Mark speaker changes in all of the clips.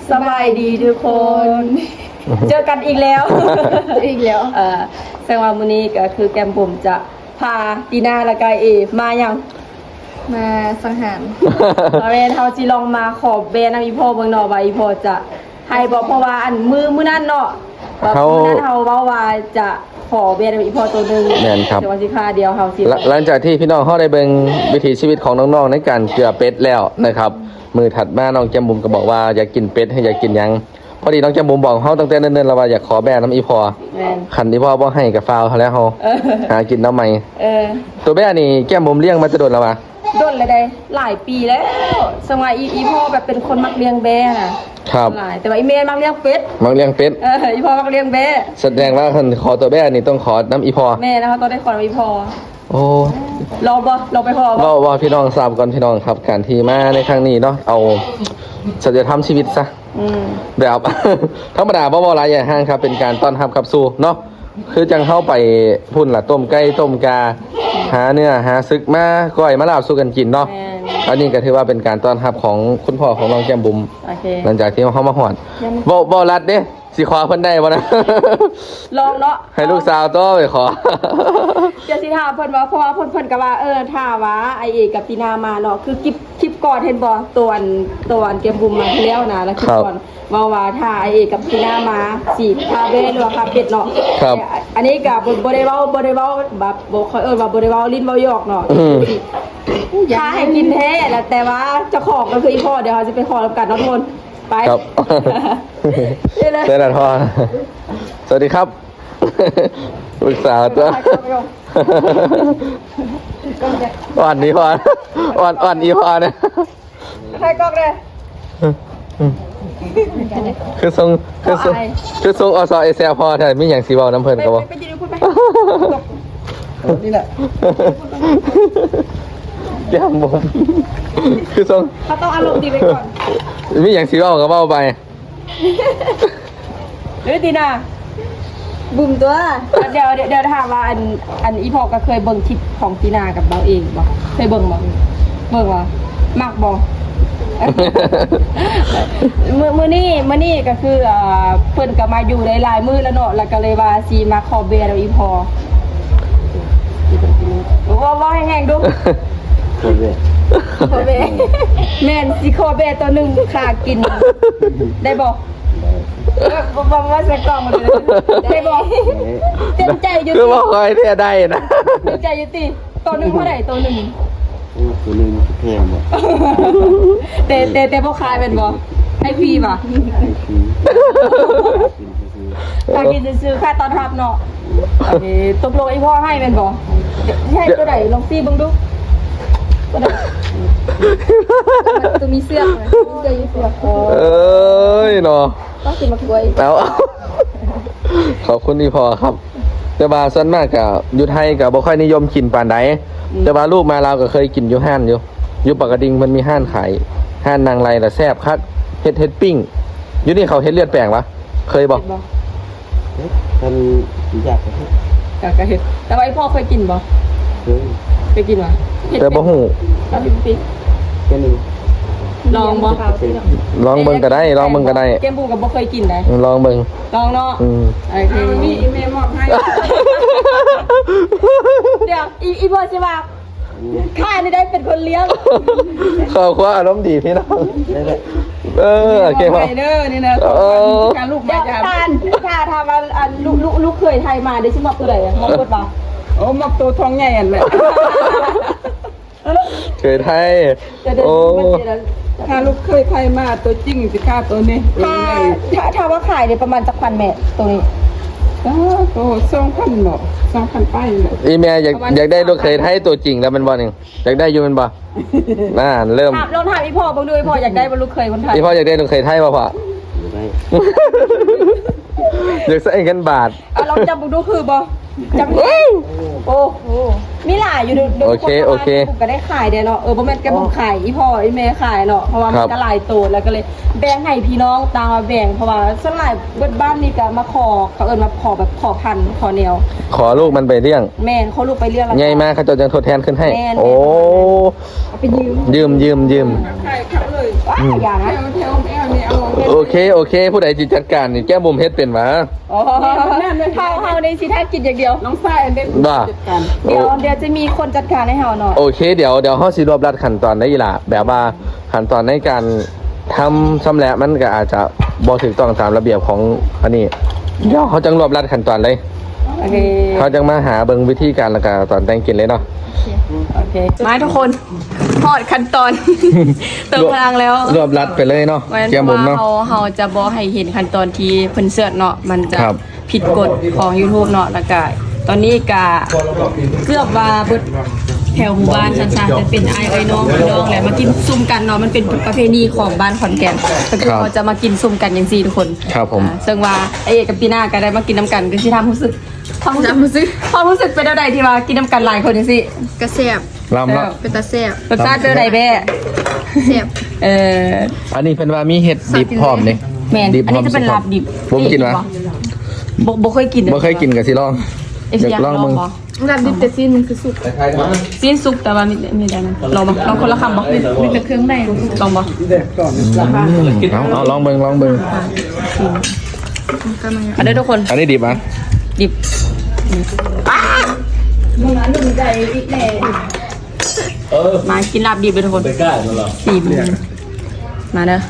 Speaker 1: สบายดีทุกคน เจอกันอีกแล้วแสดงว่ามื้อนี้ก็คือแกมผมจะพาตีน่าและกายมาอย่าง
Speaker 2: มาสังหาร
Speaker 1: เรนเฮาสิลองมาขอแบนำอีพ่อเบิ่งเนาะว่าอีพ่อจะให้บ่เพราะว่าอันมื้อนั้นเนาะมื้อนั้นเฮาเว้าว่าจะขอแบนำอีพ่อตัวนึง
Speaker 3: แม่นครับ
Speaker 1: แต่ว่าสิค่าเดียวเฮาสิ
Speaker 3: หลังจากที่พี่น้องเขาได้เบิ่งวิถีชีวิตของน้องๆในการเกลือเป็ดแล้วนะครับมือถัดมาน้องแก้มบุ๋มก็บอกว่าอยากกินเป็ดให้อยากกินหยังพอดีน้องแก้มบุ๋มบอกเขาตั้งแต่เนิ่นๆแล้วว่าอยากขอแบ่น้ำอีพอ
Speaker 1: แม่น
Speaker 3: คันอีพอบ่ให้กับฟาวเขาแล้วเฮาหากินน้ำใหม่ ตัวแบ่นี่แก้มบุ๋มเลี้ยงมาจะโดนแล้ววะ
Speaker 1: โดนเลยได้หลายปีแล้วสมัยอีพ่อแบบเป็นคนมักเลี้ยงแบน่ะ
Speaker 3: ครับ
Speaker 1: หลายแต่ว่าอีเมย์มักเลี้ยงเป็ด
Speaker 3: มักเลี้ยงเป็ด
Speaker 1: อีพ่อมักเลี้ยงแบ
Speaker 3: แสดงว่าคันขอตัวแบ่นี่ต้องขอน้ำอีพอ
Speaker 1: แม่นะคะต้องได้ขออีพ่อ
Speaker 3: โอ้
Speaker 1: รอบ่รอไปขอบ่
Speaker 3: ว่าพี่น้องทราบก่อนพี่น้องครับการที่มาในครั้งนี้เนาะเอาสัจธรรมชีวิตซะแบบ ธรรมดาบ่หลายอย่างห้างครับเป็นการต้อนรับขับสู่เนาะคือจังเข้าไปพุ่นล่ะต้มไก่ต้มกาหาเนื้อหาซึกมาก้อยมาลาบสู้กันกินเนาะอันนี้ก็ถือว่าเป็นการต้อนรับของคุณพ่อของน้องแก้มบุ๋ม
Speaker 1: โอเค
Speaker 3: หลังจากที่เขามาหอดบ่รัดเด้สิขอเพิ่นได้บ่นะ
Speaker 1: ลองเนาะ
Speaker 3: ให้ลูกสาวโตไปขอ
Speaker 1: จะสิถามเพิ่นว่าเพราะว่าเพิ่นก็ว่าถ้าว่าไอเอกกับตีนามาเนาะคือคลิปก่อนเห็นบ่ตัวอันเกมบุมมาที่แล้วนะแล้วคลิปก่อนว่าถ้าไอเอกกับตีนามาสิพาเบ้หรือว่าพาเป็ดเนาะอันนี้ก็บ่ได้เว้าแบบบ่ค่อยว่าบ่ได้เว้าลิ้นเว้าหยอกเนาะถ้าให้กินแท้แล้วแต่ว่าเจ้าของก็คืออีพ่อเดี๋ยวเราจะไปขอรับกันเนาะทุกคนไป
Speaker 3: ครับ
Speaker 1: เด้เลย
Speaker 3: เต้นทอสวัสดีครับลูกสาวตัวอ่อนนี้พออ่อนอีพอเนี่ย
Speaker 1: ใครกล้องเลย
Speaker 3: คือทรงอสเอเซลพอแต่ไม่อย่างสีบอลน้ำเพลินก็บอก
Speaker 1: ไปยืนพูดไป
Speaker 2: นี่แหละ
Speaker 3: แก้มบุ๋มคือทรง
Speaker 1: เขาต้องอารมณ์ดีไปก่อน
Speaker 3: ไม่อย่างสีบอลก็เบาไป
Speaker 1: หรือตีนา
Speaker 2: บุ่มตัว
Speaker 1: เดี๋ยวถามว่าอันอีพอก็เคยเบิ่งคลิปของตีนากับเราเองบ่เคยเบิ่งบ่มักบ่มื้อนี้ก็คือเพิ่นก็มาอยู่ได้หลายมื้อแล้วเนาะแล้วก็เลยว่าสิมาขอเบียร์เอาอีพอว่าแห้งๆดูขอเบียร์แม่นสิขอเบียร์ตัวหนึงค่ากินได้บ่บอกว่าใส่กล่องมาเลยได้บอกเต็มใจอยู่
Speaker 3: คือบอกคอยเนี่ยได้นะ
Speaker 1: เต็มใจอยู่ติตัวหนึ่งเท่าไหร่ตัวหนึ่ง
Speaker 4: ตัวนึงแพงบ่
Speaker 1: แต่พวกขายเป็นบ่ให้ฟรีป่ะ
Speaker 4: ให้ฟรี
Speaker 1: ค่ากินซื้อค่าตอนรับเนาะตกลงไอ้พ่อให้เป็นบ่ให้ตัวไหนลองฟรีบ้างดูตัวไหน
Speaker 2: ตัวมีเสื้อไหมเสื้อยืดเสื้อ
Speaker 3: เอ้ยเนาะ
Speaker 2: ต้องกินมะกรวย
Speaker 3: แล้ว ขอบคุณที่พอครับแต่บาส่วนมากกับยุไทยกับบ่ค่อยนิยมกินปานใดแต่บาลูกมาเราก็เคยกินอยู่ห้านอยู่ปากกระดิ่งมันมีห้านขายห้านนางไรแต่แซ่บคักเฮ็ดปิ้งอยู่นี่เขาเฮ็ดเลือดแปลงปะเคยบอก
Speaker 4: ท่านอยากจะให้
Speaker 1: อยากจะเห็นแต่ว่าไอ้พ่อเคยกินบ่
Speaker 4: เคย
Speaker 1: กินวะ
Speaker 3: แต่บ่ฮู้
Speaker 4: แค่นึง
Speaker 1: ลองบ่
Speaker 3: ลองเบิ่งก็ได้ลองเบิ่งก็ได้
Speaker 1: เกมบูกับบ่เคยกินได้
Speaker 3: ลองเบิ่ง
Speaker 1: ลองเนาะ โอเคนี่อีเมลมอบให้ เดี๋ยวอีพ่อใช่ป่ะข้านี่ได้เป็นคนเลี้ยง
Speaker 3: ขอบคุณอารมณ์ดีพี่น้อง
Speaker 4: ได้แหละ
Speaker 3: โอเคพ่อ
Speaker 1: เด้อนี่นะการลูกมาจ้าถ้าทำอันลูกเคยไทยมาได้ชิมอบตัวไหนมอบตัวป่ะ
Speaker 5: โอ้มักตัวทองใหญ่อันแหละ
Speaker 3: เคยไทย
Speaker 1: เดี๋ยว
Speaker 3: โอ้
Speaker 5: ถ้าลูกเคยใครมาตัวจริงสิค่าตัวนี้
Speaker 1: ถ้าว่าขายเนี่ยประมาณจักพันแม่ตัวนี้
Speaker 5: ตัว2,000เนาะ2,000ไปเนาะ
Speaker 3: อีเมลอยากได้ลูกเคยไทยตัวจริงแล้วมันบ่หนึ่งอยากได้อยู่มันบ่น่าเริ่ม
Speaker 1: ลองถามอีพ่อบ้างดูอีพ่ออยากได้บรรลุเคยคนไทย
Speaker 3: อีพ่ออยากได้ลูกเคยไทยป่ะพ่อ
Speaker 4: ได้
Speaker 3: อยากใส่เงินบาท
Speaker 1: ลองจำบ้างดูคือบ่จำโอ้มีหลายอยู่ดู
Speaker 3: โอเค
Speaker 1: ก็ได้ขายเด้เนาะบ่แม่นแกบ่ขายอีพ่ออีแม่ขายเนาะเพราะว่ามันก็หลายตัวแล้วก็เลยแบ่งให้พี่น้องตามมาแบ่งเพราะว่าส่วนหลายเบิดบ้านนี่ก็มาขอเขาเอิ้นว่าขอแบบขอพันขอแนว
Speaker 3: ขอลูกมันไปเลี้ยง
Speaker 1: แม่นเขาลูกไปเรียกแล้ว
Speaker 3: ใหญ่มากเขาจะยังทดแทนขึ้นให้
Speaker 1: แม่น
Speaker 3: โอ้
Speaker 1: เอาไปยืม
Speaker 3: ยืม
Speaker 5: ใครเขาเลย
Speaker 1: ว้าอย่านะ
Speaker 5: แถวแอลนี่เอา
Speaker 3: โอเคผู้ใดจิจัดการนี่แก้มุมเฮ็ดเป็นหวะ
Speaker 1: อ๋อเฮาในสิท่ากินอย่างเดียว
Speaker 5: น้องฝ้ายอันเด็ก
Speaker 3: บ้า
Speaker 5: จัดการ
Speaker 1: เดี๋ยวจะมีคนจัดการให้เฮาเนาะ
Speaker 3: โอเคเดี๋ยวเฮาสิรวบรัดขั้นตอนได้อีหล่ะแบบว่าขั้นตอนในการทำซ้ำแหละมันก็อาจจะบ่ถูกต้องตามระเบียบของอันนี้เดี๋ยวเขาจังรวบรัดขั้นตอนเลย
Speaker 1: โอเค
Speaker 3: เขาจังมาหาเบิ่งวิธีการแล้วก็ตอนแต่งกินเลยเนาะ
Speaker 1: โอเคมาทุกคนทอดขั้นตอน เติมพลังแล้ว
Speaker 3: รวบรัดไปเลยเนาะ
Speaker 1: เพราะฉะนั้น
Speaker 3: แก้มุมเนาะ
Speaker 1: เฮาจะบ่ให้เห็นขั้นตอนที่เพิ่นเสิร์ชเนาะมันจะ
Speaker 3: ครับ
Speaker 1: ผิดกฎของ YouTube เนาะแล้วก็ตอนนี้ก็เกือบว่าเบิดแถวหมู่บ้านชันๆจะเป็นไอ้น้องพี่น้องแหละมากินซุ่มกันเนาะมันเป็นประเพณีของบ้านขอนแก่นก็คือเขาจะมากินซุ่มกันอย่างซี่ทุกคน
Speaker 3: ครับผม
Speaker 1: ซึ่งว่าไอ้เอกกับปีหน้าก็ได้มากินน้ำกันก็สิทำรู้สึกความรู้สึกเป็นอะไรที่ว่ากินน้ำกันหลายคนจังซี่
Speaker 2: กระแซ่บ
Speaker 3: ลำเนาะ
Speaker 2: เป็นตาแซ่บ
Speaker 1: รสชาติเป็นอะไรแม่
Speaker 2: แซ่บ
Speaker 3: อันนี้เป็นว่ามีเห็ดดิบพร้อมนี่
Speaker 1: แม่น
Speaker 3: ดิบ
Speaker 1: อันนี้จะเป็นลาบดิบ
Speaker 3: ผมกินวะ
Speaker 1: บ่เคยกิน
Speaker 3: บ่เคยกินกับสิลอง
Speaker 1: อยากลองบ่
Speaker 2: น้ำดิบแต่ซีนมันคือสุก
Speaker 1: ซีนซุปแต่ว่ามีได้นะลองบ่ลองคนละคำบ่
Speaker 2: มีแต่เครื่องใน
Speaker 1: ลองบ่
Speaker 3: เอาลองเบิ่ง
Speaker 2: กันมา
Speaker 1: อันนี้ทุกคน
Speaker 3: อันนี้ดิบอ่ะ
Speaker 1: ดิบมากินลาบดิบเลยทุกคนสี่มือมาเด้อ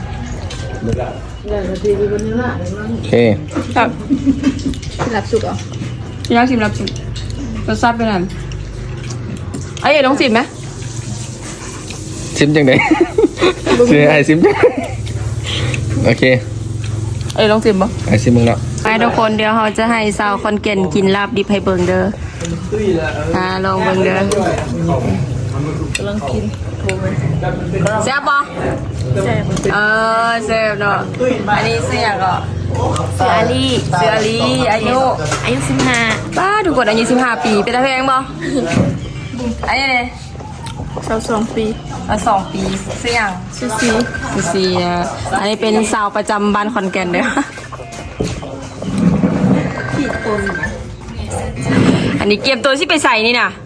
Speaker 3: โอเค
Speaker 1: ครับ
Speaker 2: หลับสุกเหรอ
Speaker 1: ชิมแล้วชิมแล้วชิมรสชาติเป็นไงไอ้เอ๋ต้องชิมไหม
Speaker 3: ซิมจังได๋สิไอ้ซิมจังโอเค
Speaker 1: เอ๋ต้องชิมปะ
Speaker 3: ไอ้ซิมมึงเนาะ
Speaker 1: ไปทุกคนเดี๋ยวเราจะให้สาวคอนเกนกินลาบดิบให้เบิ่งเด้อลองเบิ่งเด้อกำลังกินแซ่บปะแซ่บเนาะอันนี้เสียก็เสืออาลีอายุ15ป้าทุกคนอายุ15 ปีเป็นตาแพงบ่อันนี้เลย
Speaker 2: 22 ปี
Speaker 1: 2 ปีเสียงซีอันนี้เป็นสาวประจำบ้านขอนแก่นเด้ออันนี้เกียมตัวที่ไปใส่นี่น่ะ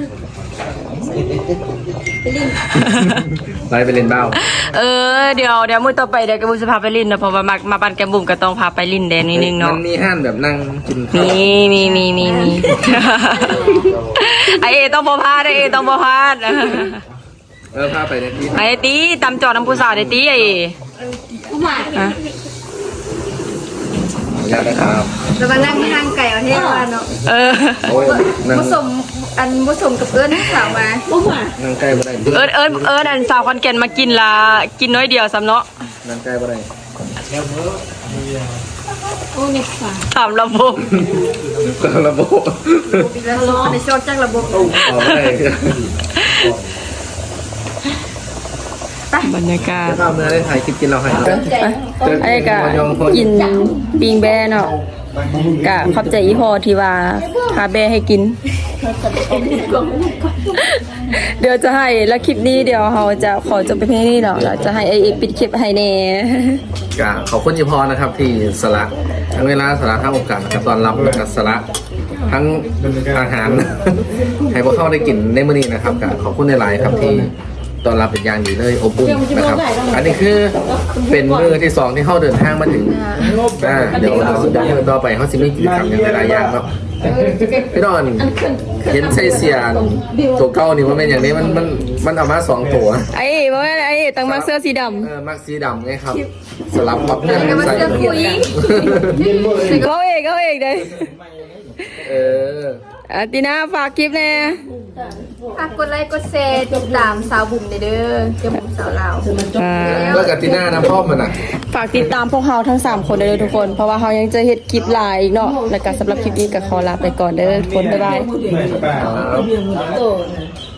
Speaker 3: ไล่ไปเล่นเบ้า
Speaker 1: เดี๋ยวมื้อต่อไปเดี๋ยวแกบุญจะพาไปลินนะเพราะว่ามาบ้านแกบุ๋มก็ต้องพาไปลินแดนนิดนึงเนาะ
Speaker 3: มันมีห้านแบบนั่งกินข้าว
Speaker 1: มีไอเอต้องบ่พลาดไอเอต้องบ่พลาด
Speaker 3: พาไปในที่
Speaker 1: ไอตีตำจอดน้ำผู้สาวไอตีไอฮะ
Speaker 3: อยากนะครับ
Speaker 2: แล้วมานั่งทางไก่เอาเท่าเนาะ
Speaker 3: โอ้ยนั่ง
Speaker 2: ผสมกับเอิ้นสาวมา
Speaker 3: นั่งใกล้บ่ได้
Speaker 1: อันสาวคอนแก่นมากินละกินน้อยเดียวซ้ำเนาะ
Speaker 3: นั่งใกล้บ่ได้
Speaker 1: ถามระบบ
Speaker 3: ระบบ
Speaker 2: แล้วในโซนจ้างระบบ
Speaker 3: เอาบ่ได้
Speaker 1: บรรยากาศ
Speaker 3: ข้าวเมื่อได้ถ่ายคลิปกินเราให้
Speaker 1: ไอ้กะกินปิงแบเนาะกะขอบใจอีพอที่ว่าพาแบให้กิน เดี๋ยวจะให้แล้วคลิปนี้เดี๋ยวเราจะขอจบไปเพียงนี้เนาะเราจะให้ไอเอปิดคลิปให้แน่
Speaker 3: กะขอบคุณยี่พอนะครับที่สละทั้งเวลาสละทั้งโอกาสนะครับตอนรับนะครับสละทั้งอาหาร ให้พวกเขาได้กินในมื้อนี้นะครับกะขอบคุณในหลายๆครับที่ตอนรับเป็นอย่างดีเลยอบอุ่นนะครับ อันนี้คือเป็นมื้อที่2ที่เขาเดินทางมาถึงเดี๋ยวมื้อต่อไปเขาสิมีกิจกรรมอย่างหลายๆอย่างเนาะพี่ดอนเห็นใส่เสียตัวเก่านี่ว่าเป็นอย่างนี้มันเอามา2ตัว
Speaker 1: ไอ้บอกว่าไอ้ตั้งมาเสื้อสีด
Speaker 3: มักสีดำไงครับ สลับกับเพื่อนใส่
Speaker 1: ำเขาเองเลย ตีน่าฝากคลิปแน่
Speaker 2: ฝากกดไลค์กดแชร์ติดตามสาวบุ๋มเด้อเจ้าบุ๋มสาวลาว
Speaker 3: แล้วกับตีน่าน้ำพ่อมันอ่ะ
Speaker 1: ฝากติดตามพวกเราทั้ง3คนเด้อทุกคนเพราะว่าเรายังจะเฮ็ดคลิปหลายอีกเนาะแล้วก็สำหรับคลิปนี้ก็ขอลาไปก่อนเด้อทุกคนบ๊ายบาย